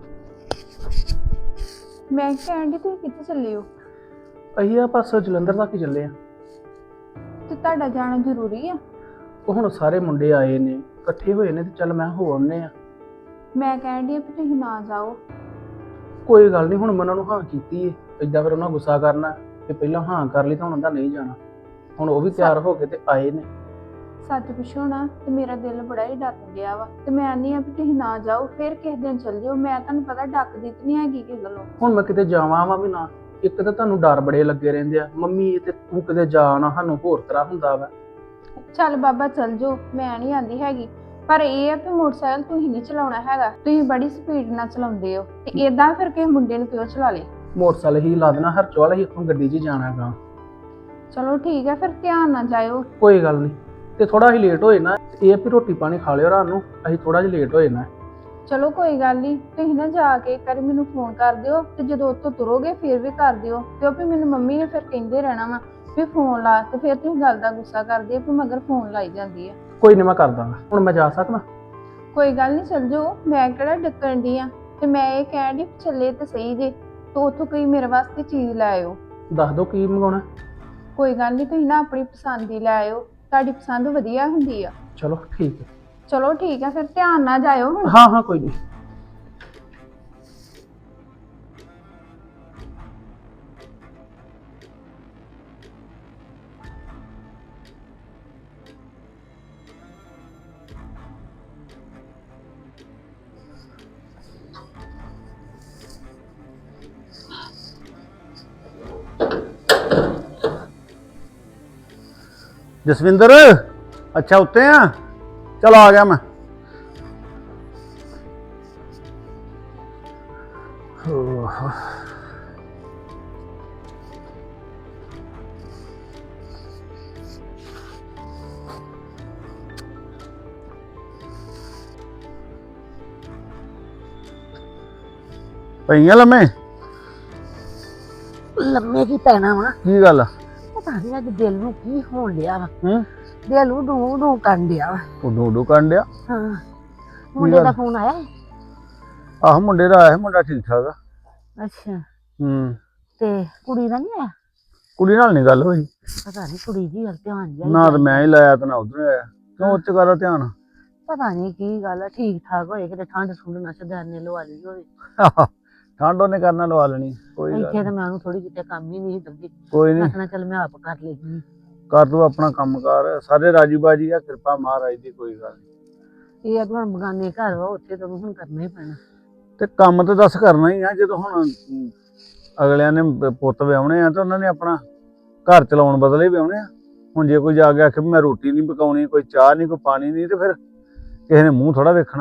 ਮੈਂ ਕਹਿੰਦੀ ਤੁਸੀਂ ਕਿੱਥੇ ਚੱਲੇ ਹੋ? ਅਸੀਂ ਆ ਪਾਸੋਂ ਜਲੰਧਰ ਤੱਕ ਹੀ ਚੱਲੇ ਆ। ਤੇ ਤੁਹਾਡਾ ਜਾਣਾ ਜ਼ਰੂਰੀ ਆ? ਉਹ ਹੁਣ ਸਾਰੇ ਮੁੰਡੇ ਆਏ ਨੇ, ਇਕੱਠੇ ਹੋਏ ਨੇ, ਤੇ ਚੱਲ ਮੈਂ ਹੋ ਆਉਂਦੇ ਆ। ਮੈਂ ਕਹਿੰਦੀ ਆ ਵੀ ਤੁਸੀਂ ਨਾ ਜਾਓ। ਕੋਈ ਗੱਲ ਨਹੀਂ, ਹੁਣ ਮੈਂ ਉਹਨਾਂ ਨੂੰ ਹਾਂ ਕੀਤੀ ਏ। ਏਦਾਂ ਫਿਰ ਉਹਨਾਂ ਗੁੱਸਾ ਕਰਨਾ ਕਿ ਪਹਿਲਾਂ ਹਾਂ ਕਰ ਲਈ ਤਾਂ ਹੁਣ ਉਹਦਾ ਨਹੀਂ ਜਾਣਾ। ਹੁਣ ਉਹ ਵੀ ਤਿਆਰ ਹੋ ਕੇ ਤੇ ਆਏ ਨੇ। ਸੱਚ ਪੁੱਛੋ ਨਾ ਤੇ ਮੇਰਾ ਦਿਲ ਬੜਾ ਹੀ ਡੱਕ ਗਿਆ ਵਾ, ਤੇ ਮੈਂ ਨਹੀਂ ਆ ਵੀ ਤੁਸੀਂ ਨਾ ਜਾਓ, ਫਿਰ ਕਿਸੇ ਦਿਨ ਚੱਲ ਜਾਓ। ਮੈਂ ਤੁਹਾਨੂੰ ਪਤਾ ਡੱਕਦੀ ਤੇ ਨਹੀਂ ਹੈਗੀ ਕਿਸੇ ਗੱਲੋਂ। ਹੁਣ ਮੈਂ ਕਿਤੇ ਜਾਵਾਂ ਵਾ ਵੀ ਨਾ, ਇੱਕ ਤਾਂ ਤੁਹਾਨੂੰ ਡਰ ਬੜੇ ਲੱਗੇ ਰਹਿੰਦੇ ਆ ਮੰਮੀ, ਤੇ ਤੂੰ ਕਿਤੇ ਜਾ ਨਾ, ਸਾਨੂੰ ਹੋਰ ਤਰ੍ਹਾਂ ਹੁੰਦਾ ਵਾ। ਚੱਲ ਬਾਬਾ ਚੱਲ ਜਾਓ, ਮੈਂ ਨਹੀਂ ਆਂਦੀ ਹੈਗੀ। ਪਰ ਇਹ ਆ ਵੀ ਮੋਟਰਸਾਈਕਲ ਤੁਸੀਂ ਨਹੀਂ ਚਲਾਉਣਾ ਹੈਗਾ, ਤੁਸੀਂ ਬੜੀ ਸਪੀਡ ਨਾਲ ਚਲਾਉਂਦੇ ਹੋ, ਤੇ ਏਦਾਂ ਫਿਰ ਕਿਸੇ ਮੁੰਡੇ ਨੂੰ ਕਿਉਂ ਚਲਾ ਲੇ? ਮੋਟਰਸਾਈਕਲ ਹੀ ਲਾ ਦੇਣਾ ਹਰਚੋਲ, ਅਸੀਂ ਇੱਥੋਂ ਗੱਡੀ 'ਚ ਹੀ ਜਾਣਾ ਗਾ। ਚਲੋ ਠੀਕ ਹੈ, ਫਿਰ ਧਿਆਨ ਨਾਲ ਜਾਇਓ। ਕੋਈ ਗੱਲ ਨਹੀਂ, ਤੇ ਥੋੜਾ ਅਸੀਂ ਲੇਟ ਹੋਏ ਨਾ, ਇਹ ਆ ਵੀ ਰੋਟੀ ਪਾਣੀ ਖਾ ਲਿਓ ਰਾਤ ਨੂੰ, ਅਸੀਂ ਥੋੜਾ ਜਿਹਾ ਲੇਟ ਹੋਏ ਨਾ। ਚਲੋ ਕੋਈ ਗੱਲ ਨਹੀਂ, ਤੁਸੀਂ ਨਾ ਜਾ ਕੇ ਇੱਕ ਵਾਰੀ ਮੈਨੂੰ ਫੋਨ ਕਰ ਦਿਓ, ਤੇ ਜਦੋਂ ਉੱਥੋਂ ਤੁਰੋਗੇ ਫਿਰ ਵੀ ਕਰ ਦਿਓ, ਕਿਉਂਕਿ ਮੈਨੂੰ ਮੰਮੀ ਨੇ ਫਿਰ ਕਹਿੰਦੇ ਰਹਿਣਾ ਵਾ ਵੀ ਫੋਨ ਲਾ, ਤੇ ਫਿਰ ਤੁਸੀਂ ਗੱਲ ਦਾ ਗੁੱਸਾ ਕਰਦੇ ਆ ਵੀ ਮਗਰ ਫੋਨ ਲਾਈ ਜਾਂਦੀ ਆ। ਕੋਈ ਨਹੀਂ, ਮੈਂ ਕਰ ਦਾਂਗਾ। ਹੁਣ ਮੈਂ ਜਾ ਸਕਦਾ? ਕੋਈ ਗੱਲ ਨਹੀਂ, ਚੱਲ ਜਾਓ, ਮੈਂ ਕਿਹੜਾ ਡੱਕਣ ਦੀ ਆ। ਤੇ ਮੈਂ ਇਹ ਕਹਿਣ ਦੀ ਚੱਲੇ ਤੇ ਸਹੀ ਜੇ, ਤੇ ਉੱਥੋਂ ਕੋਈ ਮੇਰੇ ਵਾਸਤੇ ਚੀਜ਼ ਲੈ ਆਇਓ। ਦੱਸ ਦਿਓ ਕੀ ਮੰਗਾਉਣਾ। ਕੋਈ ਗੱਲ ਨਹੀਂ, ਤੁਸੀਂ ਨਾ ਆਪਣੀ ਪਸੰਦ ਦੀ ਲੈ ਆਇਓ, ਤੁਹਾਡੀ ਪਸੰਦ ਵਧੀਆ ਹੁੰਦੀ ਆ। ਚਲੋ ਠੀਕ ਹੈ। ਚਲੋ ਠੀਕ ਆ, ਫਿਰ ਧਿਆਨ ਨਾਲ ਜਾਇਓ ਹੁਣ। ਹਾਂ ਹਾਂ, ਕੋਈ ਨਹੀਂ। ਜਸਵਿੰਦਰ, ਅੱਛਾ ਉੱਤੇ ਆ? ਚਲ ਆ ਗਿਆ ਮੈਂ। ਪਈਆਂ ਲੰਮੇ? ਲੰਮੇ ਕੀ ਪੈਣਾ ਵਾ? ਕੀ ਗੱਲ? ਪਤਾ ਨਹੀਂ ਅੱਜ ਦਿਲ ਨੂੰ ਕੀ ਹੋਣ ਡਿਆ ਵਾ। ਹੂੰ? ਦਿਲ ਨੂੰ ਡੂ ਡੂ ਕਰਨ ਡਿਆ ਵਾ। ਉਡੂ ਉਡੂ ਕਰਨ ਡਿਆ? ਹਾਂ, ਮੁੰਡੇ ਦਾ ਫੋਨ ਆਇਆ? ਆਹ ਮੁੰਡੇ ਦਾ ਆਇਆ, ਮੁੰਡਾ ਠੀਕ ਠਾਕ ਆ। ਅੱਛਾ, ਹੂੰ। ਤੇ ਕੁੜੀ ਦਾ ਨਹੀਂ ਆਇਆ? ਕੁੜੀ ਨਾਲ ਨਹੀਂ ਗੱਲ ਹੋਈ। ਪਤਾ ਨਹੀਂ ਕੁੜੀ ਦੀ ਗੱਲ ਧਿਆਨ ਜਿਹਾ ਨਾ ਤਾਂ ਮੈਂ ਹੀ ਲਾਇਆ ਤੇ ਨਾ ਉਧਰ ਆਇਆ। ਕਿਉਂ ਉੱਚ ਕਰਦਾ ਧਿਆਨ? ਪਤਾ ਨਹੀਂ ਕੀ ਗੱਲ ਆ, ਠੀਕ ਠਾਕ ਹੋਏ, ਕਿਤੇ ਠੰਡ ਠੁੰਡ ਨਾ ਸਦਾਨੇ ਲਵਾ ਲਈ ਹੋਵੇ। ਠੰਡ ਉਹਨੇ ਕਰਨਾ ਲਵਾ ਲੈਣੀ, ਕੋਈ ਗੱਲ ਇੱਥੇ ਨੀ। ਤਾਂ ਮੈਂ ਉਹਨੂੰ ਥੋੜੀ ਜਿਹੀ ਕੰਮ ਹੀ ਨਹੀਂ ਦਿੱਤੀ। ਕੋਈ ਨਹੀਂ, ਆਖਣਾ ਚੱਲ ਮੈਂ ਆਪ ਕਰ ਲੈਂਦੀ। ਕਰ ਤੂੰ ਆਪਣਾ ਕੰਮ ਕਰ, ਸਾਰੇ ਰਾਜੀ ਬਾਜੀ ਆ, ਕਿਰਪਾ ਮਹਾਰਾਜ ਦੀ, ਕੋਈ ਗੱਲ ਨੀ। ਇਹ ਅਗਵਾਂ ਬਗਾਨੇ ਘਰ ਵਾ, ਉੱਥੇ ਤਾਂ ਹੁਣ ਕਰਨਾ ਹੀ ਪੈਣਾ। ਤੇ ਕੰਮ ਤਾਂ ਦੱਸ ਕਰਨਾ ਹੀ ਆ, ਜਦੋਂ ਹੁਣ ਅਗਲਿਆਂ ਨੇ ਪੁੱਤ ਵਿਆਹੁਣੇ ਆ ਤੇ ਉਹਨਾਂ ਨੇ ਆਪਣਾ ਘਰ ਚਲਾਉਣ ਬਦਲੇ ਵਿਆਹੁਣੇ ਆ। ਹੁਣ ਜੇ ਕੋਈ ਜਾ ਕੇ ਆਖੇ ਵੀ ਮੈਂ ਰੋਟੀ ਨਹੀਂ ਪਕਾਉਣੀ, ਕੋਈ ਚਾਹ ਨਹੀਂ, ਕੋਈ ਪਾਣੀ ਨਹੀਂ, ਤੇ ਫਿਰ ਕਿਸੇ ਨੇ ਮੂੰਹ ਥੋੜਾ ਵੇਖਣਾ।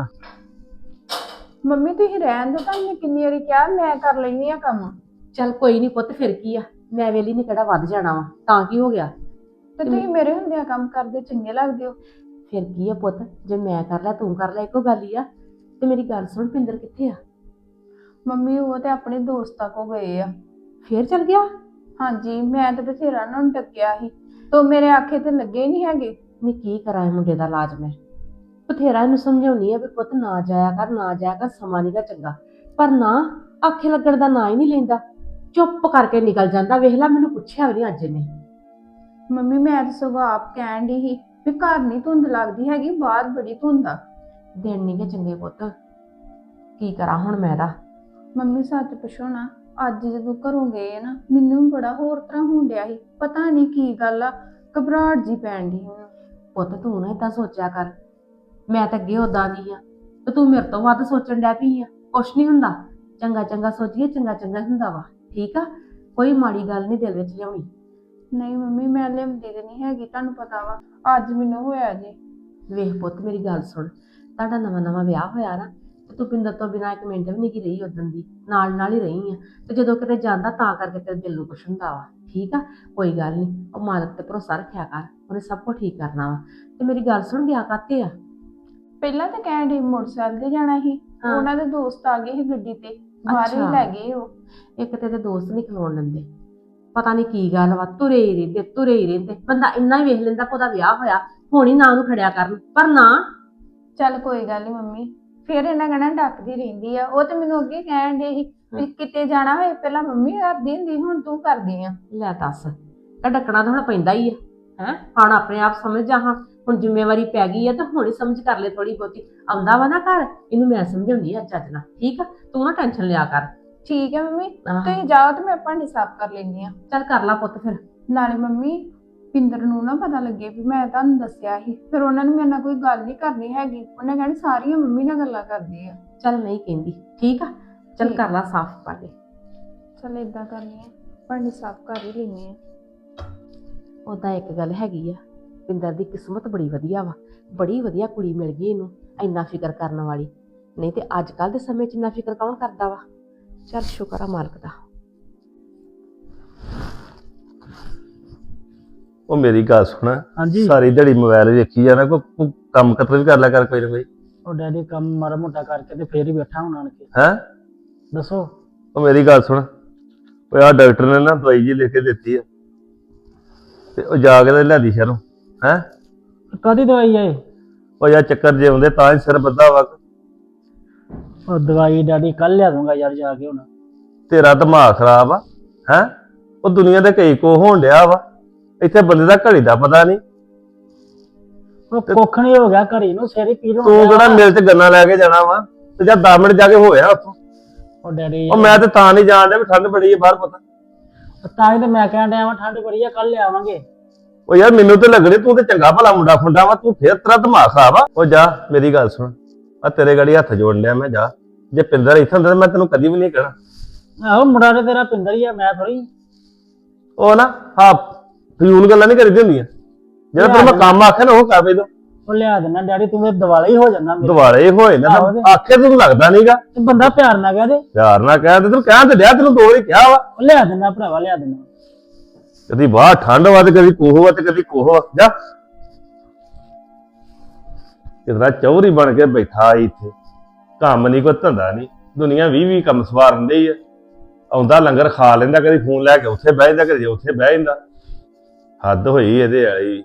ਮੰਮੀ ਤੁਸੀਂ ਰਹਿਣ ਦਿਓ, ਤੁਹਾਨੂੰ ਕਿੰਨੀ ਵਾਰੀ ਕਿਹਾ ਮੈਂ ਕਰ ਲੈਣੀ ਆ ਕੰਮ। ਚੱਲ ਕੋਈ ਨਹੀਂ ਪੁੱਤ, ਫਿਰ ਕੀ ਆ, ਮੈਂ ਵੇਲੀ ਨੇ ਕਿਹੜਾ ਵੱਧ ਜਾਣਾ ਵਾ, ਤਾਂ ਕੀ ਹੋ ਗਿਆ? ਤੇ ਤੁਸੀਂ ਮੇਰੇ ਹੁੰਦਿਆਂ ਕੰਮ ਕਰਦੇ ਚੰਗੇ ਲੱਗਦੇ ਹੋ। ਫਿਰ ਕੀ ਆ ਪੁੱਤ, ਜੇ ਮੈਂ ਕਰ ਲਿਆ ਤੂੰ ਕਰ ਲਿਆ, ਇੱਕੋ ਗੱਲ ਹੀ ਆ। ਤੇ ਮੇਰੀ ਗੱਲ ਸੁਣ, ਪਿੰਦਰ ਕਿੱਥੇ ਆ? ਮੰਮੀ ਉਹ ਤੇ ਆਪਣੇ ਦੋਸਤਾਂ ਕੋ ਗਏ ਆ। ਫੇਰ ਚੱਲ ਗਿਆ? ਹਾਂਜੀ, ਮੈਂ ਤਾਂ ਬਥੇਰਾ ਉਹਨਾਂ ਨੂੰ ਡੱਕਿਆ ਸੀ, ਤੋ ਮੇਰੇ ਆਖੇ ਤੇ ਲੱਗੇ ਹੀ ਨਹੀਂ ਹੈਗੇ। ਨਹੀਂ ਕੀ ਕਰਾਂ ਇਹ ਮੁੰਡੇ ਦਾ ਇਲਾਜ ਮੈਂ? ਬਥੇਰਾ ਇਹਨੂੰ ਸਮਝਾਉਣੀ ਆ ਵੀ ਪੁੱਤ ਨਾ ਜਾਇਆ ਕਰ, ਨਾ ਜਾਇਆ ਕਰ, ਸਮਾਂ ਨੀਗਾ ਚੰਗਾ, ਪਰ ਨਾ, ਆਖੇ ਲੱਗਣ ਦਾ ਨਾਂ ਹੀ ਨਹੀਂ ਲੈਂਦਾ, ਚੁੱਪ ਕਰਕੇ ਨਿਕਲ ਜਾਂਦਾ। ਵੇਖ ਲੈ, ਮੈਨੂੰ ਪੁੱਛਿਆ ਵੀ ਨਹੀਂ ਅੱਜ ਇਹਨੇ। ਮੰਮੀ ਮੈਂ ਤਾਂ ਸਗੋਂ ਆਪ ਕਹਿਣ ਦੀ ਸੀ ਵੀ ਘਰ ਨਹੀਂ ਧੁੰਦ ਲੱਗਦੀ ਹੈਗੀ, ਬਾਹਰ ਬੜੀ ਧੁੰਦ ਆ। ਦਿਨ ਨੀਗੇ ਚੰਗੇ ਪੁੱਤ, ਕੀ ਕਰਾਂ ਹੁਣ ਮੈਂ ਦਾ? ਮੰਮੀ ਸੱਚ ਪੁੱਛੋ ਨਾ, ਅੱਜ ਜਦੋਂ ਘਰੋਂ ਗਏ ਨਾ, ਮੈਨੂੰ ਬੜਾ ਹੋਰ ਤਰ੍ਹਾਂ ਹੋਣ ਡਿਆ ਸੀ, ਪਤਾ ਨਹੀਂ ਕੀ ਗੱਲ ਆ, ਘਬਰਾਹਟ ਜੀ ਪੈਣ ਡਈ ਹੁਣ। ਪੁੱਤ ਤੂੰ ਨਾ ਏਦਾਂ ਸੋਚਿਆ ਕਰ, ਮੈਂ ਤਾਂ ਅੱਗੇ ਉਦਾਂ ਦੀ ਆ, ਤੇ ਤੂੰ ਮੇਰੇ ਤੋਂ ਵੱਧ ਸੋਚਣ ਡੈ ਪਈ ਆ। ਕੁਛ ਨਹੀਂ ਹੁੰਦਾ, ਚੰਗਾ ਚੰਗਾ ਸੋਚੀਏ, ਚੰਗਾ ਚੰਗਾ ਹੁੰਦਾ ਵਾ, ਠੀਕ ਆ? ਕੋਈ ਮਾੜੀ ਗੱਲ ਨਹੀਂ ਦਿਲ ਵਿੱਚ ਲਿਆਉਣੀ। ਨਹੀਂ ਮੰਮੀ, ਮੈਂ ਲਿਆਉਂਦੀ ਤੇ ਨਹੀਂ ਹੈਗੀ, ਤੁਹਾਨੂੰ ਪਤਾ ਵਾ ਅੱਜ ਮੈਨੂੰ ਹੋਇਆ ਜੀ। ਵੇਖ ਪੁੱਤ ਮੇਰੀ ਗੱਲ ਸੁਣ, ਤੁਹਾਡਾ ਨਵਾਂ ਨਵਾਂ ਵਿਆਹ ਹੋਇਆ ਨਾ, ਤੇ ਤੂੰ ਪਿੰਦਰ ਤੋਂ ਬਿਨਾਂ ਇੱਕ ਮਿੰਟ ਵੀ ਨਹੀਂ ਕੀ ਰਹੀ, ਉਦਣ ਦੀ ਨਾਲ ਨਾਲ ਹੀ ਰਹੀ ਆ, ਤੇ ਜਦੋਂ ਕਿਤੇ ਜਾਂਦਾ ਤਾਂ ਕਰਕੇ ਤੇਰੇ ਦਿਲ ਨੂੰ ਕੁਛ ਹੁੰਦਾ ਵਾ, ਠੀਕ ਆ? ਕੋਈ ਗੱਲ ਨਹੀਂ, ਉਹ ਮਾਲਕ ਤੇ ਭਰੋਸਾ ਰੱਖਿਆ ਕਰ, ਉਹਨੇ ਸਭ ਕੁਝ ਠੀਕ ਕਰਨਾ ਵਾ। ਤੇ ਮੇਰੀ ਗੱਲ ਸੁਣ, ਗਿਆ ਕਾਤੇ ਆ? ਪਹਿਲਾਂ ਤਾਂ ਕਹਿਣ ਡਈ ਮੋਟਰਸਾਈਕਲ ਤੇ ਜਾਣਾ ਸੀ, ਹਾਂ। ਉਹਨਾਂ ਦੇ ਦੋਸਤ ਆ ਗਏ ਸੀ ਗੱਡੀ ਤੇ, ਬਾਹਰ ਹੀ ਅੱਛਾ। ਲੈ ਗਏ ਉਹ। ਇੱਕ ਤੇ ਇਹਦੇ ਦੋਸਤ ਨਹੀਂ ਖਲੋਣ ਦਿੰਦੇ, ਪਤਾ ਨਹੀਂ ਕੀ ਗੱਲ ਵਾ, ਤੁਰੇ ਹੀ ਰਹਿੰਦੇ, ਤੁਰੇ ਹੀ ਰਹਿੰਦੇ। ਬੰਦਾ ਇੰਨਾ ਹੀ ਵੇਖ ਲੈਂਦਾ ਕਿ ਉਹਦਾ ਵਿਆਹ ਹੋਇਆ, ਹੁਣ ਹੀ ਨਾ ਉਹਨੂੰ ਖੜਿਆ ਕਰਨ, ਪਰ ਨਾ। ਚੱਲ ਕੋਈ ਗੱਲ ਨਹੀਂ ਮੰਮੀ, ਫਿਰ ਇਹਨਾਂ ਕਹਿਣਾ ਡੱਕਦੀ ਰਹਿੰਦੀ ਆ। ਉਹ ਤੇ ਮੈਨੂੰ ਅੱਗੇ ਕਹਿਣ ਦੇ ਸੀ ਵੀ ਕਿਤੇ ਜਾਣਾ ਹੋਏ ਪਹਿਲਾਂ ਮੰਮੀ ਕਰਦੀ ਹੁੰਦੀ, ਹੁਣ ਤੂੰ ਕਰਦੀ ਆ। ਲੈ ਦੱਸ, ਤਾਂ ਡੱਕਣਾ ਤਾਂ ਹੁਣ ਪੈਂਦਾ ਹੀ ਆ। ਹੈ ਹੁਣ ਆਪਣੇ ਆਪ ਸਮਝ ਜਾ, ਹਾਂ ਹੁਣ ਜ਼ਿੰਮੇਵਾਰੀ ਪੈ ਗਈ ਆ ਤਾਂ ਹੁਣ ਹੀ ਸਮਝ ਕਰ ਲੈ ਥੋੜੀ ਬਹੁਤੀ। ਆਉਂਦਾ ਵਾ ਨਾ ਘਰ, ਇਹਨੂੰ ਮੈਂ ਸਮਝਾਉਂਦੀ ਆ ਚੱਜ ਨਾਲ, ਠੀਕ ਆ? ਤੂੰ ਨਾ ਟੈਨਸ਼ਨ ਲਿਆ ਕਰ। ਠੀਕ ਹੈ ਮੰਮੀ, ਆਹ, ਤੁਸੀਂ ਜਾਓ ਤੇ ਮੈਂ ਭਾਂਡੇ ਸਾਫ਼ ਕਰ ਲੈਂਦੀ ਆ। ਚੱਲ ਕਰ ਲਾ ਪੁੱਤ ਫਿਰ। ਨਾਲੇ ਮੰਮੀ ਪਿੰਦਰ ਨੂੰ ਨਾ ਪਤਾ ਲੱਗੇ ਵੀ ਮੈਂ ਤੁਹਾਨੂੰ ਦੱਸਿਆ ਸੀ, ਫਿਰ ਉਹਨਾਂ ਨੇ ਮੇਰੇ ਨਾਲ ਕੋਈ ਗੱਲ ਨਹੀਂ ਕਰਨੀ ਹੈਗੀ। ਉਹਨੇ ਕਹਿਣੀ ਸਾਰੀਆਂ ਮੰਮੀ ਨਾਲ ਗੱਲਾਂ ਕਰਦੀ ਆ। ਚੱਲ ਨਹੀਂ ਕਹਿੰਦੀ, ਠੀਕ ਆ? ਚੱਲ ਠੀਕ। ਕਰ ਲਾ ਸਾਫ਼ ਭਾਂਡੇ। ਚੱਲ ਏਦਾਂ ਕਰਨੀ ਆ, ਭਾਂਡੇ ਸਾਫ਼ ਕਰ ਹੀ ਲੈਣੀ ਆ। ਉਦਾਂ ਇੱਕ ਗੱਲ ਹੈਗੀ ਆ, ਪਿੰਦਰ ਦੀ ਕਿਸਮਤ ਬੜੀ ਵਧੀਆ ਵਾ, ਬੜੀ ਵਧੀਆ ਕੁੜੀ ਮਿਲ ਗਈ ਇਹਨੂੰ, ਇੰਨਾ ਫਿਕਰ ਕਰਨ ਵਾਲੀ। ਨਹੀਂ ਤੇ ਅੱਜ ਕੱਲ੍ਹ ਦੇ ਸਮੇਂ 'ਚ ਇੰਨਾ ਫਿਕਰ ਕੌਣ ਕਰਦਾ ਵਾ? ਚੱਲ ਸ਼ੁਕਰ ਆ ਮਾਲਕ ਦਾ। ਉਹ ਮੇਰੀ ਗੱਲ ਸੁਣ, ਹਾਂਜੀ। ਸਾਰੀ ਦਿਹਾੜੀ ਮੋਬਾਈਲ ਵੇਖੀ ਜਾਣਾ, ਕੋਈ ਕੰਮ ਕਤਰ ਵੀ ਕਰ ਲਿਆ ਕਰ ਕੋਈ ਨਾ ਕੋਈ। ਉਹ ਡੈਡੀ ਕੰਮ ਮਾੜਾ ਮੋਟਾ ਕਰਕੇ ਤੇ ਫੇਰ ਹੀ ਬੈਠਾ ਹੁਣ ਆਣ ਕੇ। ਹੈ ਦੱਸੋ। ਉਹ ਮੇਰੀ ਗੱਲ ਸੁਣ, ਉਹ ਆ ਡਾਕਟਰ ਨੇ ਨਾ ਦਵਾਈ ਜੀ ਲਿਖ ਕੇ ਦਿੱਤੀ ਆ, ਤੇ ਉਹ ਜਾ ਕੇ ਤੇ ਲਿਆਦੀ ਸ਼ਹਿਰੋਂ। ਹੈ ਕਾਹਦੀ ਦਵਾਈ ਹੈ? ਉਹ ਯਾਰ ਚੱਕਰ ਜੇ ਆਉਂਦੇ ਤਾਂ ਹੀ ਸਿਰ ਬੱਧਾ ਵਾ। ਉਹ ਦਵਾਈ ਡੈਡੀ ਕੱਲ ਲਿਆ ਦੂੰਗਾ ਯਾਰ ਜਾ ਕੇ ਹੁਣ। ਤੇਰਾ ਦਿਮਾਗ ਖਰਾਬ ਆ। ਹੈ ਉਹ ਦੁਨੀਆ ਦੇ ਕਈ ਕੋ ਹੋਣ ਡਿਆ ਵਾ, ਇੱਥੇ ਬੰਦੇ ਦਾ ਘੜੀ ਦਾ ਪਤਾ ਨਹੀਂ। ਉਹ ਕੁੱਖ ਨਹੀਂ ਹੋ ਗਿਆ ਘਰੀ ਨੂੰ, ਸਿਰ ਹੀ ਪੀੜ ਤੂੰ ਕਿਹੜਾ ਮਿਲ ਚ ਗੰਨਾ ਲੈ ਕੇ ਜਾਣਾ ਵਾ, ਤੇ ਜਾਂ 10 ਮਿੰਟ ਜਾ ਕੇ ਹੋਇਆ ਉੱਥੋਂ। ਉਹ ਡੈਡੀ ਉਹ ਮੈਂ ਤੇ ਤਾਂ ਨਹੀਂ ਜਾਣ ਡਿਆ ਵੀ ਠੰਡ ਬੜੀ ਹੈ ਬਾਹਰ ਪਤਾ। ਤਾਂ ਹੀ ਤੇ ਮੈਂ ਕਹਿਣ ਡਿਆ ਵਾਂ ਠੰਡ ਬੜੀ ਆ, ਕੱਲ ਲਿਆਵਾਂਗੇ। ਉਹ ਯਾਰ ਮੈਨੂੰ ਤੇ ਲੱਗਣੀ ਤੂੰ ਤੇ ਚੰਗਾ ਭਲਾ ਮੁੰਡਾ ਖੁੰਡਾ ਵਾ, ਤੂੰ ਫੇਰ ਤੇਰਾ ਦਿਮਾਗ ਖਰਾਬ ਆ। ਉਹ ਜਾ ਮੇਰੀ ਗੱਲ ਸੁਣ, ਆ ਤੇਰੇ ਗਾੜੀ ਹੱਥ ਜੋੜਨ ਡਿਆ ਮੈਂ, ਜਾ। ਜੇ ਪਿੰਦਰ ਇੱਥੇ ਹੁੰਦਾ ਤਾਂ ਮੈਂ ਤੈਨੂੰ ਕਦੀ ਵੀ ਨਹੀਂ ਕਹਿਣਾ। ਆਹੋ ਮੁੰਡਾ ਤੇ ਤੇਰਾ ਪਿੰਦਰ ਹੀ ਆ, ਮੈਂ ਥੋੜੀ। ਉਹ ਨਾ ਹਾਂ ਫਜ਼ੂਲ ਗੱਲਾਂ ਨਹੀਂ ਕਰੀਦੀ ਹੁੰਦੀਆਂ, ਜਿਹੜਾ ਤੈਨੂੰ ਮੈਂ ਕੰਮ ਆਖਿਆ ਨਾ ਉਹ ਕਰ ਬਈ। ਉਹ ਲਿਆ ਦੇਣਾ ਡੈਡੀ, ਤੂੰ ਤੇ ਦਿਵਾਲੇ ਹੀ ਹੋ ਜਾਂਦਾ ਮੇਰੇ। ਦੁਆਲੇ ਹੋਏ ਨਾ ਆਖੇ ਤੈਨੂੰ ਲੱਗਦਾ ਨਹੀਂਗਾ। ਤੇ ਬੰਦਾ ਪਿਆਰ ਨਾਲ ਕਹਦੇ। ਪਿਆਰ ਨਾਲ ਕਹਿ ਤੇ ਤੈਨੂੰ ਕਹਿਣ ਤੇ ਡਿਆ, ਤੈਨੂੰ 2 ਵਾਰੀ ਕਿਹਾ ਵਾ। ਉਹ ਲਿਆ ਦੇਣਾ ਭਰਾਵਾ, ਲਿਆ ਦੇਣਾ। ਕਦੀ ਬਾਹਰ ਠੰਡ ਵਾ ਤੇ ਕਦੀ ਕੋਹ ਵਾ ਤੇ ਕਦੀ ਕੋਹ ਵਾ। ਜਾ ਕਿਤਨਾ ਚੌਧਰੀ ਬਣ ਕੇ ਬੈਠਾ ਇੱਥੇ, ਕੰਮ ਨਹੀਂ ਕੋਈ ਧੰਦਾ ਨਹੀਂ। ਦੁਨੀਆ 20 ਕੰਮ ਸਵਾਰਨ ਡਈ ਆ। ਆਉਂਦਾ ਲੰਗਰ ਖਾ ਲੈਂਦਾ, ਕਦੀ ਫੋਨ ਲੈ ਕੇ ਉੱਥੇ ਬਹਿ ਜਾਂਦਾ, ਕਦੀ ਉੱਥੇ ਬਹਿ ਜਾਂਦਾ। ਹੱਦ ਹੋਈ ਇਹਦੇ ਵਾਲੀ।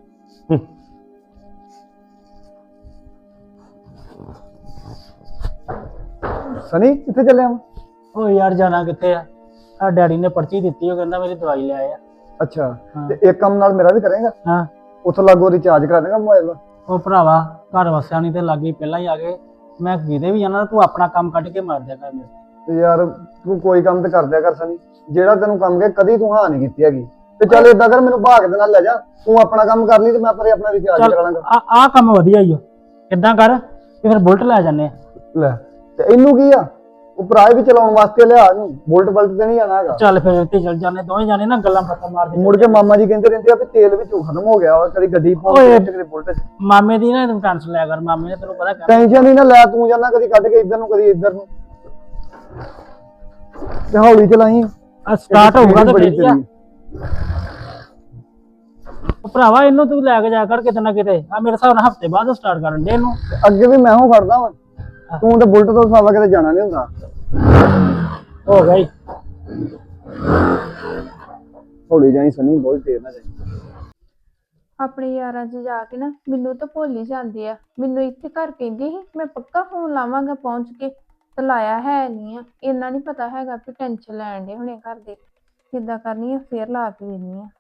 ਸਨੀ ਕਿੱਥੇ ਚੱਲਿਆ ਵਾ? ਉਹ ਯਾਰ ਜਾਣਾ ਕਿੱਥੇ ਆ, ਆ ਡੈਡੀ ਨੇ ਪਰਚੀ ਦਿੱਤੀ, ਉਹ ਕਹਿੰਦਾ ਮੇਰੀ ਦਵਾਈ ਲੈ ਆ। ਅੱਛਾ, ਹਾਂ। ਤੇ ਇੱਕ ਕੰਮ ਨਾਲ ਮੇਰਾ ਵੀ ਕਰੇਗਾ? ਹਾਂ। ਉੱਥੋਂ ਲਾਗੋ ਰਿਚਾਰਜ ਕਰਾ ਦੇਗਾ ਮੋਬਾਈਲ ਦਾ। ਉਹ ਭਰਾਵਾ ਘਰ ਵਸਿਆ ਨਹੀਂ ਤੇ ਲਾਗੇ ਪਹਿਲਾਂ ਹੀ ਆ ਗਏ। ਮੈਂ ਕਿਤੇ ਵੀ ਜਾਣਾ, ਤੂੰ ਆਪਣਾ ਕੰਮ ਕੱਢ ਕੇ ਮਾਰ ਦਿਆ ਕਰ ਮੇਰੇ। ਤੇ ਯਾਰ ਤੂੰ ਕੋਈ ਕੰਮ ਤੇ ਕਰ ਦਿਆ ਕਰ ਸਨੀ, ਜਿਹੜਾ ਤੈਨੂੰ ਕੰਮ ਕਹੇ ਕਦੀ ਤੂੰ ਹਾਂ ਨਹੀਂ ਕੀਤੀ ਹੈਗੀ। ਤੇ ਚੱਲ ਏਦਾਂ ਕਰ, ਮੈਨੂੰ ਭਾਗ ਦੇ ਨਾਲ ਲੈ ਜਾ, ਤੂੰ ਆਪਣਾ ਕੰਮ ਕਰ ਲਈ ਤੇ ਮੈਂ ਪਰੇ ਆਪਣਾ ਰਿਚਾਰਜ ਕਰਾ ਲਾਂਗਾ। ਆ ਕੰਮ ਵਧੀਆ ਹੀ ਓ। ਏਦਾਂ ਕਰ ਕਿ ਫਿਰ ਬੁਲਟ ਲੈ ਜਾਂਦੇ ਆ। ਲੈ ਤੇ ਇਹਨੂੰ ਕੀ ਆ, ਉਹ ਭਰਾ ਵੀ ਚਲਾਉਣ ਵਾਸਤੇ ਲਿਆ ਇਹਨੂੰ, ਬੁਲਟ ਬਲਟ ਤੇ ਨਹੀਂ ਜਾਣਾ ਹੈਗਾ। ਚੱਲ ਫਿਰ ਇੱਥੇ ਚੱਲ ਜਾਂਦੇ ਦੋਵੇਂ ਜਾਣੇ ਨਾ, ਗੱਲਾਂ ਬਾਤਾਂ ਮਾਰਦੇ। ਮੁੜ ਕੇ ਮਾਮਾ ਜੀ ਕਹਿੰਦੇ ਰਹਿੰਦੇ ਆ ਵੀ ਤੇਲ ਵਿੱਚੋਂ ਖਤਮ ਹੋ ਗਿਆ ਵਾ, ਕਦੀ ਗੱਡੀ ਓਏ। ਪਹੁੰਚ ਕਦੀ ਬੁਲਟ ਚ। ਮਾਮੇ ਦੀ ਨਾ ਤੂੰ ਟੈਨਸ਼ਨ ਲਿਆ ਕਰ, ਮਾਮੇ ਨੇ ਤੈਨੂੰ ਪਤਾ ਕਹਿਣਾ। ਟੈਨਸ਼ਨ ਨਹੀਂ ਨਾ ਲੈ, ਤੂੰ ਜਾਣਾ ਕਦੀ ਕੱਢ ਕੇ ਇੱਧਰ ਨੂੰ ਕਦੀ ਇੱਧਰ ਨੂੰ, ਤੇ ਹੌਲੀ ਚਲਾਈ। ਸਟਾਰਟ ਹੋਊਗਾ ਤਾਂ ਬੜੀ ਫੇਰ ਹੀ ਆ। ਉਹ ਭਰਾਵਾ ਇਹਨੂੰ ਤੂੰ ਲੈ ਕੇ ਜਾ ਕਰ ਕਿਤੇ ਨਾ ਕਿਤੇ। ਆ ਮੇਰੇ ਹਿਸਾਬ ਨਾਲ ਹਫਤੇ ਬਾਅਦ ਸਟਾਰਟ ਕਰਨ ਦੇ ਇਹਨੂੰ। ਅੱਗੇ ਵੀ ਮੈਂ ਉਹ ਫੜਦਾ ਵਾ, ਤੂੰ ਤੇ ਬੁਲਟ ਤੋਂ ਸਾਵਾ ਕਿਤੇ ਜਾਣਾ ਨਹੀਂ ਹੁੰਦਾ। ਹੋ ਗਈ। ਹੌਲੀ ਜਾਈ ਸਨੀ, ਬਹੁਤ ਤੇਜ਼ ਨਾ ਜਾਈ। ਆਪਣੇ ਯਾਰਾਂ 'ਚ ਜਾ ਕੇ ਨਾ ਮੈਨੂੰ ਤਾਂ ਭੁੱਲ ਹੀ ਜਾਂਦੇ ਆ। ਮੈਨੂੰ ਇੱਥੇ ਘਰ ਕਹਿੰਦੀ ਸੀ ਮੈਂ ਪੱਕਾ ਫੋਨ ਲਾਵਾਂਗਾ ਪਹੁੰਚ ਕੇ, ਤੇ ਲਾਇਆ ਹੈ ਨਹੀਂ ਆ। ਇੰਨਾ ਨਹੀਂ ਪਤਾ ਹੈਗਾ ਵੀ ਟੈਨਸ਼ਨ ਲੈਣ ਦੇ ਹੁਣੇ ਘਰ ਦੇ। ਕਿੱਦਾਂ ਕਰਨੀ ਆ, ਫੇਰ ਲਾ ਕੇ ਵੇਖਣੀ ਆ।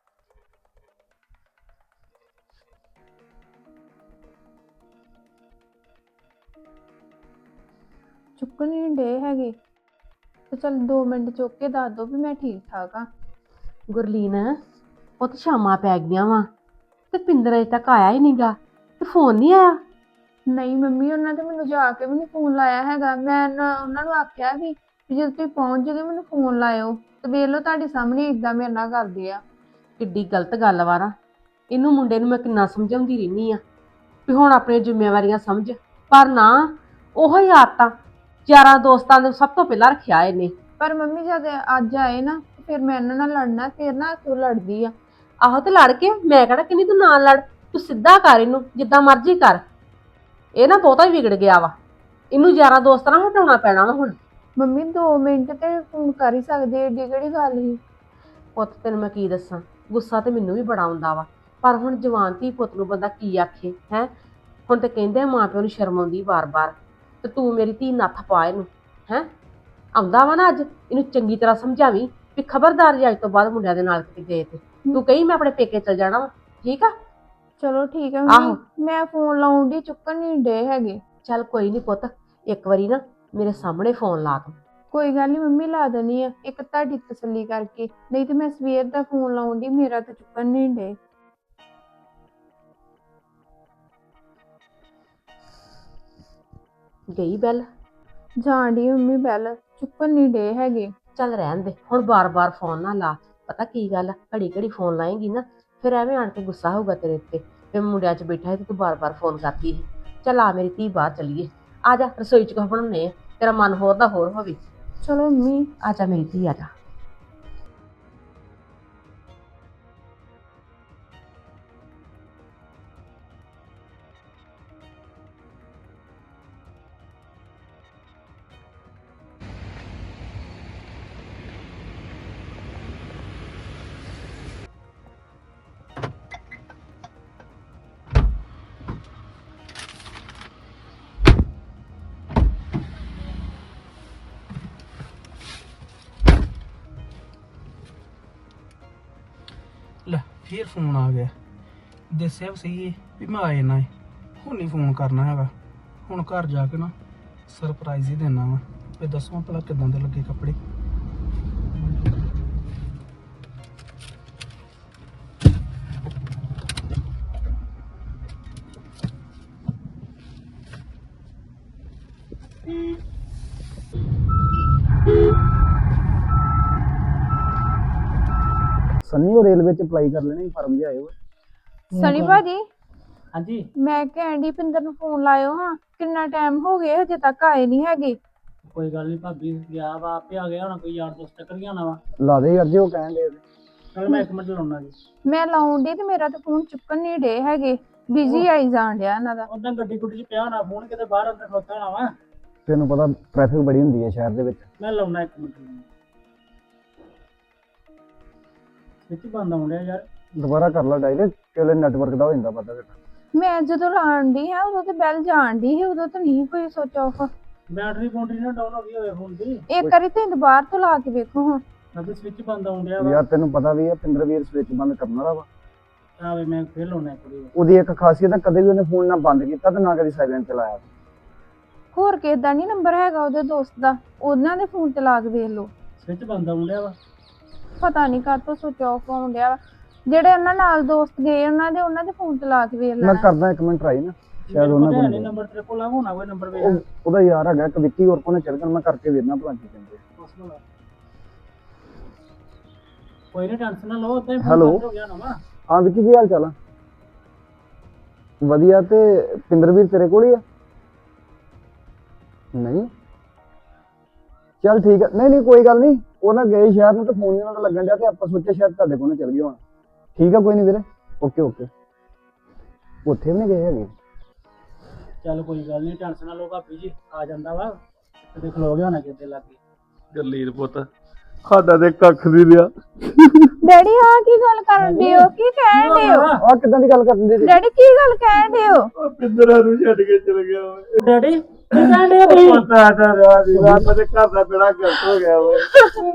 ਚੁੱਕਣ ਨਹੀਂ ਡੇ ਹੈਗੇ, ਤੇ ਚੱਲ 2 ਮਿੰਟ ਚੁੱਕ ਕੇ ਦੱਸ ਦੋ ਵੀ ਮੈਂ ਠੀਕ ਠਾਕ ਆ। ਗੁਰਲੀਨ, ਉਹ ਤਾਂ ਸ਼ਾਮਾਂ ਪੈ ਗਈਆਂ ਵਾ ਤੇ ਪਿੰਦਰ ਅਜੇ ਤੱਕ ਆਇਆ ਹੀ ਨਹੀਂਗਾ, ਤੇ ਫੋਨ ਨਹੀਂ ਆਇਆ। ਨਹੀਂ ਮੰਮੀ, ਉਹਨਾਂ ਤੇ ਮੈਨੂੰ ਜਾ ਕੇ ਵੀ ਨਹੀਂ ਫੋਨ ਲਾਇਆ ਹੈਗਾ। ਮੈਂ ਉਹਨਾਂ ਨੂੰ ਆਖਿਆ ਵੀ ਜਦੋਂ ਤੁਸੀਂ ਪਹੁੰਚ ਜਗੇ ਮੈਨੂੰ ਫੋਨ ਲਾਇਓ, ਤੇ ਵੇਖ ਲਓ ਤੁਹਾਡੇ ਸਾਹਮਣੇ ਇਦਾਂ ਮੇਰੇ ਨਾਲ ਕਰਦੇ ਆ। ਕਿੱਡੀ ਗਲਤ ਗੱਲ ਵਾ ਨਾ। ਇਹਨੂੰ ਮੁੰਡੇ ਨੂੰ ਮੈਂ ਕਿੰਨਾ ਸਮਝਾਉਂਦੀ ਰਹਿੰਦੀ ਆ ਵੀ ਹੁਣ ਆਪਣੀਆਂ ਜ਼ਿੰਮੇਵਾਰੀਆਂ ਸਮਝ, ਪਰ ਨਾ ਉਹੋ ਹੀ ਆਦਤਾਂ ਯਾਰਾਂ ਦੋਸਤਾਂ ਨੂੰ ਸਭ ਤੋਂ ਪਹਿਲਾਂ ਰੱਖਿਆ ਇਹਨੇ। ਪਰ ਮੰਮੀ ਜਦ ਅੱਜ ਆਏ ਨਾ, ਫਿਰ ਮੈਂ ਇਹਨਾਂ ਨਾਲ ਲੜਨਾ, ਫਿਰ ਨਾ ਤੂੰ ਲੜਦੀ ਆ। ਆਹੋ ਤੇ ਲੜ ਕੇ ਮੈਂ ਕਹਿਣਾ ਕਿੰਨੀ, ਤੂੰ ਨਾਲ ਲੜ, ਤੂੰ ਸਿੱਧਾ ਕਰ ਇਹਨੂੰ, ਜਿੱਦਾਂ ਮਰਜ਼ੀ ਕਰ। ਇਹ ਨਾ ਬਹੁਤਾ ਹੀ ਵਿਗੜ ਗਿਆ ਵਾ, ਇਹਨੂੰ ਯਾਰਾਂ ਦੋਸਤਾਂ ਨਾਲ ਹਟਾਉਣਾ ਪੈਣਾ ਵਾ ਹੁਣ। ਮੰਮੀ 2 ਮਿੰਟ ਤੇ ਫੋਨ ਕਰ ਹੀ ਸਕਦੇ, ਏਡੀ ਕਿਹੜੀ ਗੱਲ ਸੀ। ਪੁੱਤ ਤੈਨੂੰ ਮੈਂ ਕੀ ਦੱਸਾਂ, ਗੁੱਸਾ ਤੇ ਮੈਨੂੰ ਵੀ ਬੜਾ ਆਉਂਦਾ ਵਾ, ਪਰ ਹੁਣ ਜਵਾਨ ਧੀ ਪੁੱਤ ਨੂੰ ਬੰਦਾ ਕੀ ਆਖੇ ਹੈ। ਹੁਣ ਤੇ ਕਹਿੰਦੇ ਮਾਂ ਪਿਓ ਨੂੰ ਸ਼ਰਮ ਆਉਂਦੀ ਵਾਰ-ਵਾਰ, ਤੇ ਤੂੰ ਮੇਰੀ ਧੀ ਨੱਥ ਪਾ ਇਹਨੂੰ ਹੈ ਆਉਂਦਾ ਵਾ ਨਾ ਅੱਜ ਇਹਨੂੰ ਚੰਗੀ ਤਰ੍ਹਾਂ ਸਮਝਾਵੀਂ ਵੀ ਖਬਰਦਾਰ ਜੇ ਅੱਜ ਤੋਂ ਬਾਅਦ ਮੁੰਡਿਆਂ ਦੇ ਨਾਲ ਕਿਤੇ ਗਏ ਤੇ ਤੂੰ ਕਹੀ ਮੈਂ ਆਪਣੇ ਪੇਕੇ ਚਲ ਜਾਣਾ ਵਾ ਠੀਕ ਆ। ਚਲੋ ਠੀਕ ਹੈ ਆਹੋ। ਮੰਮੀ ਮੈਂ ਫੋਨ ਲਾਉਣ ਦੀ ਚੁੱਕਣ ਨਹੀਂ ਡੇ ਹੈਗੇ। ਚੱਲ ਕੋਈ ਨਹੀਂ ਪੁੱਤ ਇੱਕ ਵਾਰੀ ਨਾ ਮੇਰੇ ਸਾਹਮਣੇ ਫੋਨ ਲਾ ਤੂੰ। ਕੋਈ ਗੱਲ ਨਹੀਂ ਮੰਮੀ ਲਾ ਦੇਣੀ ਆ ਇੱਕ ਤੁਹਾਡੀ ਤਸੱਲੀ ਕਰਕੇ, ਨਹੀਂ ਤੇ ਮੈਂ ਸਵੇਰ ਦਾ ਫੋਨ ਲਾਉਣ ਦੀ ਮੇਰਾ ਤਾਂ ਚੁੱਕਣ ਨਹੀਂ ਡੇ। ਗਈ ਬੈਲ ਜਾਣ ਦੀ ਮੰਮੀ ਬੈਲ ਚੁੱਕਣ ਨਹੀਂ ਡੇ ਹੈਗੇ। ਚੱਲ ਰਹਿਣ ਦੇ ਹੁਣ ਬਾਰ-ਬਾਰ ਫੋਨ ਨਾ ਲਾ। ਪਤਾ ਕੀ ਗੱਲ ਆ ਘੜੀ-ਘੜੀ ਫੋਨ ਲਾਏਂਗੀ ਨਾ ਫਿਰ ਐਵੇਂ ਆਣ ਕੇ ਗੁੱਸਾ ਹੋਊਗਾ ਤੇਰੇ ਉੱਤੇ ਵੀ ਮੁੰਡਿਆਂ 'ਚ ਬੈਠਾ ਹੈ ਤੇ ਤੂੰ ਬਾਰ-ਬਾਰ ਫੋਨ ਕਰਦੀ ਹੈ। ਚੱਲ ਆ ਮੇਰੀ ਧੀ ਬਾਹਰ ਚੱਲੀਏ ਆ ਜਾ ਰਸੋਈ 'ਚ ਕੁਛ ਬਣਾਉਣੇ ਆ ਤੇਰਾ ਮਨ ਹੋਰ ਦਾ ਹੋਰ ਹੋਵੇ। ਚਲੋ ਮੰਮੀ ਆ ਜਾ ਮੇਰੀ ਧੀ ਆ ਜਾ। ਲੈ ਫੇਰ ਫੋਨ ਆ ਗਿਆ। ਦੱਸਿਆ ਵੀ ਸਹੀ ਵੀ ਮੈਂ ਆ ਜਾਣਾ ਹੈ। ਹੁਣ ਨਹੀਂ ਫੋਨ ਕਰਨਾ ਹੈਗਾ। ਹੁਣ ਘਰ ਜਾ ਕੇ ਨਾ ਸਰਪ੍ਰਾਈਜ਼ ਹੀ ਦੇਣਾ ਵਾ ਤੇ ਦੱਸੋ ਭਲਾ ਕਿਦਾਂ ਦੇ ਲੱਗੇ ਕੱਪੜੇ। ਸੰਨੀ ਉਹ ਰੇਲਵੇ ਚ ਅਪਲਾਈ ਕਰ ਲੈਣੇ ਫਾਰਮ ਜਿਹਾ ਆਏ ਹੋਏ। ਸਨੀ ਭਾਜੀ ਹਾਂਜੀ ਮੈਂ ਕੈਂਡੀ ਪਿੰਦਰ ਨੂੰ ਫੋਨ ਲਾਇਓ ਹਾਂ ਕਿੰਨਾ ਟਾਈਮ ਹੋ ਗਿਆ ਹਜੇ ਤੱਕ ਆਏ ਨਹੀਂ ਹੈਗੇ। ਕੋਈ ਗੱਲ ਨਹੀਂ ਭਾਬੀ ਗਿਆ ਵਾ ਆਪੇ ਆ ਗਿਆ ਹੋਣਾ ਕੋਈ ਯਾਰ ਦੋਸਤ ਟੱਕਰ ਗਿਆ ਨਾ ਵਾ। ਲਾ ਦੇ ਯਾਰ ਜੇ ਉਹ ਕਹਿਣ ਦੇ। ਚਲ ਮੈਂ 1 ਮਿੰਟ ਲਾਉਣਾ ਜੀ। ਮੈਂ ਲਾਉਣ ਦੀ ਤੇ ਮੇਰਾ ਤਾਂ ਫੋਨ ਚੁੱਕਣ ਨਹੀਂ ਡੇ ਹੈਗੇ। ਬਿਜ਼ੀ ਆਈ ਜਾਣ ਡਿਆ ਇਹਨਾਂ ਦਾ। ਉਦਾਂ ਗੱਡੀ ਗੁੱਡੀ 'ਚ ਪਿਆ ਹੋਣਾ ਫੋਨ ਕਿਤੇ ਬਾਹਰ ਅੰਦਰ ਖਲੋਤਾ ਹੋਣਾ ਵਾ। ਤੈਨੂੰ ਪਤਾ ਟ੍ਰੈਫਿਕ ਬੜੀ ਹੁੰਦੀ ਹੈ ਸ਼ਹਿਰ ਦੇ ਵਿੱਚ। ਮੈਂ ਲਾਉਣਾ 1 ਮਿੰਟ ਵਿੱਚ ਬੰਦ ਆਉਣ ਡਿਆ ਯਾਰ। ਦੁਬਾਰਾ ਕਰ ਲਾ ਡਾਇਲ ਕਿਲੇ ਨੈਟਵਰਕ ਦਾ ਹੋ ਜਾਂਦਾ ਪਤਾ ਘਟਾ। ਮੈਂ ਜਦੋਂ ਲਾਉਣ ਦੀ ਹੈ ਉਦੋਂ ਤੇ ਬੈਲ ਜਾਣ ਦੀ ਸੀ ਉਦੋਂ ਤਾਂ ਨਹੀਂ ਕੋਈ ਸੋਚ ਆਫ। ਬੈਟਰੀ ਬੂਟਰੀ ਨਾ ਡਾਊਨ ਹੋ ਗਈ ਹੋਵੇ ਫੋਨ ਦੀ। ਇੱਕ ਵਾਰੀ ਤੁਸੀਂ ਦੁਬਾਰਾ ਤੋਂ ਲਾ ਕੇ ਵੇਖੋ ਹਾਂ। ਅੱਗੇ ਸਵਿਚ ਬੰਦ ਆਉਣ ਡਿਆ ਵਾ। ਯਾਰ ਤੈਨੂੰ ਪਤਾ ਵੀ ਹੈ ਪਿੰਦਰ ਵੀਰ ਸਵਿਚ ਬੰਦ ਕਰਨ ਵਾਲਾ ਵਾ। ਆਵੇ ਮੈਂ ਫੇਰ ਲਾਉਣਾ ਇੱਕ ਵਾਰੀ। ਉਹਦੀ ਇੱਕ ਖਾਸੀਅਤ ਹੈ ਕਦੇ ਵੀ ਉਹਨੇ ਫੋਨ ਨਾ ਬੰਦ ਕੀਤਾ ਤੇ ਨਾ ਕਦੀ ਸਾਇਲੈਂਟ ਚਲਾਇਆ। ਹੋਰ ਕਿਸੇ ਦਾ ਨਹੀਂ ਨੰਬਰ ਹੈਗਾ ਉਹਦੇ ਦੋਸਤ ਦਾ ਉਹਨਾਂ ਦੇ ਫੋਨ ਤੇ ਲਾ ਕੇ ਵੇਖ ਲਓ। ਸਵਿਚ ਬੰਦ ਆਉਣ ਡਿਆ ਵਾ। ਪਤਾ ਨਹੀਂ ਕਾਹਤੋਂ ਸੋਚ ਆਫ ਹੋਣ ਡਿਆ ਵਾ। ਜਿਹੜੇ ਉਹਨਾਂ ਨਾਲ ਦੋਸਤ ਗਏ ਉਹਨਾਂ ਦੇ ਫੋਨ ਤੇ ਲਾ ਕੇ ਵੇਖ ਮੈਂ ਲੈਣਾ। ਕਰਦਾ 1 ਮਿੰਟ ਟਰਾਈ ਨਾ ਸ਼ਾਇਦ ਉਹਨਾਂ ਕੋਲ ਕੋਲ ਨੰਬਰ ਤੇਰੇ ਕੋਲ ਹੋਣਾ ਕੋਈ ਨੰਬਰ ਵੇਖ। ਉਹਦਾ ਯਾਰ ਹੈਗਾ ਇੱਕ ਵਿੱਕੀ ਹੋਰ ਕੋਨੇ ਚੱਲ ਗਿਆ ਮੈਂ ਕਰਕੇ ਵੇਖਣਾ ਭਲਾ ਕੀ ਕਹਿੰਦੇ। ਕੋਈ ਨਹੀਂ ਟੈਨਸ਼ਨ ਨਾ ਲਓ ਉਦਾਂ ਹੀ Hello? ਫੋਨ ਹੋ ਗਿਆ ਨਾ ਵਾ। ਹਾਂ ਵਿੱਕੀ ਕੀ ਹਾਲ ਚਾਲ ਆ? ਵਧੀਆ। ਤੇ ਪਿੰਦਰ ਵੀਰ ਤੇਰੇ ਕੋਲ ਹੀ ਆ? ਨਹੀਂ ਚੱਲ ਠੀਕ ਹੈ। ਨਹੀਂ ਕੋਈ ਗੱਲ ਨਹੀਂ ਉਹ ਨਾ ਗਏ ਸ਼ਹਿਰ ਨੂੰ ਤੇ ਫੋਨ ਇਹਨਾਂ ਦਾ ਲੱਗਣ ਡਿਆ ਤੇ ਆਪਾਂ ਸੋਚਿਆ ਸ਼ਾਇਦ ਤੁਹਾਡੇ ਕੋਲ ਚੱਲ ਗਿਆ ਹੋਣਾ। ਠੀਕ ਆ ਕੋਈ ਨਹੀਂ ਵੀਰੇ ਓਕੇ। ਉੱਥੇ ਵੀ ਨਹੀਂ ਗਏ ਹੈਗੇ। ਚੱਲ ਕੋਈ ਗੱਲ ਨਹੀਂ ਟੈਨਸ਼ਨ ਨਾ ਲਓ ਭਾਬੀ ਜੀ ਆ ਜਾਂਦਾ ਵਾ ਤੇ ਖਲੋ ਗਿਆ ਹੋਣਾ ਕਿਤੇ ਲੱਗੇ। ਗਰਲੀਨ ਪੁੱਤ ਸਾਡਾ ਤੇ ਕੱਖ ਨਹੀਂ ਰਿਹਾ। ਡੈਡੀ ਆ ਕੀ ਗੱਲ ਕਰਨ ਦੇ ਹੋ ਕੀ ਕਹਿਣ ਦੇ ਹੋ? ਆਹ ਕਿੱਦਾਂ ਦੀ ਗੱਲ ਕਰਦੇ ਜੀ? ਡੈਡੀ ਕੀ ਗੱਲ ਕਹਿਣ ਦੇ ਹੋ? ਉਹ ਪਿੰਦਰਾਂ ਨੂੰ ਛੱਡ ਕੇ ਚਲ ਗਿਆ ਓਏ। ਡੈਡੀ ਕੀ ਕਹਿੰਦੇ ਆ ਤੁਸੀਂ? ਪਤਾ ਤਾਂ ਰਿਹਾ ਦੀ ਰਾਤ ਦੇ ਘਰ ਦਾ ਬੇੜਾ ਗਲਤ ਹੋ ਗਿਆ ਓਏ।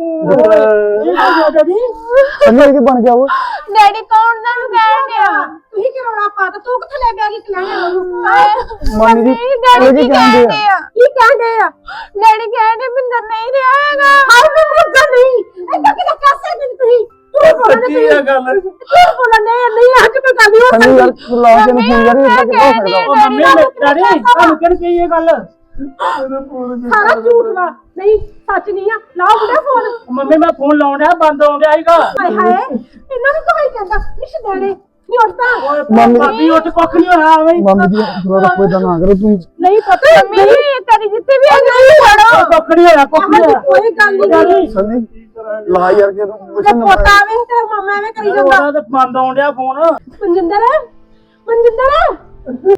ਡੈਡੀ ਸੰਨੀ ਕੀ ਬਣ ਗਿਆ ਉਹ? ਡੈਡੀ ਕੌਣ ਤੁਹਾਨੂੰ ਕਹਿਣ ਡਿਆ? ਤੁਸੀਂ ਕਿ ਰੌਲਾ ਪਾਤਾ ਤੂੰ ਕਿੱਥੇ ਲੈ ਗਿਆ ਕਿ ਕਲਾਣੇ ਨੂੰ? ਮਾਨੀ ਜੀ ਡੈਡੀ ਉਹ ਕੀ ਕੀ ਕਹਿਣ ਕਹਿੰਦੇ ਦੇ ਆ? ਆ? ਕੀ ਕਹਿੰਦੇ ਆ? ਡੈਡੀ ਕਹਿੰਦੇ ਬਿੰਦਰ ਨਹੀਂ ਰਿਹਾ ਹੈਗਾ। ਹਾਏ ਮੈਂ ਮਰ ਨਹੀਂ ਐਦਾਂ ਕਿਦਾਂ ਕਰ ਸਕਦੇ ਤੁਸੀਂ? ਸੱਚੀ ਆ ਗੱਲ। ਬੋਲਣੇ ਨਹੀਂ ਅੱਜ ਤੇ ਗੱਲ ਹੀ ਹੋ ਸੰਨੀ ਯਾਰ ਤੂੰ ਲਾ ਕੇ ਨਹੀਂ ਯਾਰ ਇਹ ਕਿੱਦਾਂ ਹੋ ਸਕਦਾ? ਉਹ ਮੰਮੀ ਡੈਡੀ ਤੁਹਾਨੂੰ ਕਿਹਨ ਕਹੀ ਇਹ ਗੱਲ? ਸਾਰਾ ਝੂਠ ਵਾ ਨਹੀਂ ਸੱਚ ਨਹੀਂ ਆ ਲਾਓ ਬੁੜਾ ਫੋਨ। ਮੰਮੀ ਮੈਂ ਫੋਨ ਲਾਉਣ ਡਿਆ ਬੰਦ ਆਉਣ ਡਿਆ ਸੀਗਾ। ਹਾਏ ਹਾਏ ਇਹਨਾਂ ਨੂੰ ਕੋਈ ਕਹਿੰਦਾ ਨਿਸ਼ ਦੇਣੇ ਨਹੀਂ ਉੱਠਦਾ। ਓਏ ਮੰਮੀ- ਭਾਬੀ ਉੱਠ ਕੁੱਖ ਨਹੀਂ ਹੋਣਾ ਐਵੇਂ ਹੀ। ਮੰਮੀ ਜੀ ਥੋੜਾ ਕੋਈ ਦਾ ਨਾ ਕਰੋ ਤੁਸੀਂ। ਨਹੀਂ ਪਤਾ ਮੰਮੀ ਤੇਰੀ ਜਿੱਥੇ ਵੀ ਹੈਗੀ ਛੱਡੋ। ਕੁੱਖ ਨਹੀਂ ਹੋਇਆ ਕੁੱਖ ਨਹੀਂ ਹੋਇਆ। ਕੋਈ ਗੱਲ ਨਹੀਂ ਡੈਡੀ ਸੰਨੀ ਲਾ ਯਾਰ ਕਿ ਤੂੰ ਤੇ ਪੋਤਾ ਵੇ ਤੇ ਮਾਮਾ ਐਵੇਂ ਕਰੀ ਜਾਂਦਾ। ਉਹਦਾ ਤੇ ਬੰਦ ਆਉਣ ਡਿਆ ਫੋਨ। ਮਨਜਿੰਦਰ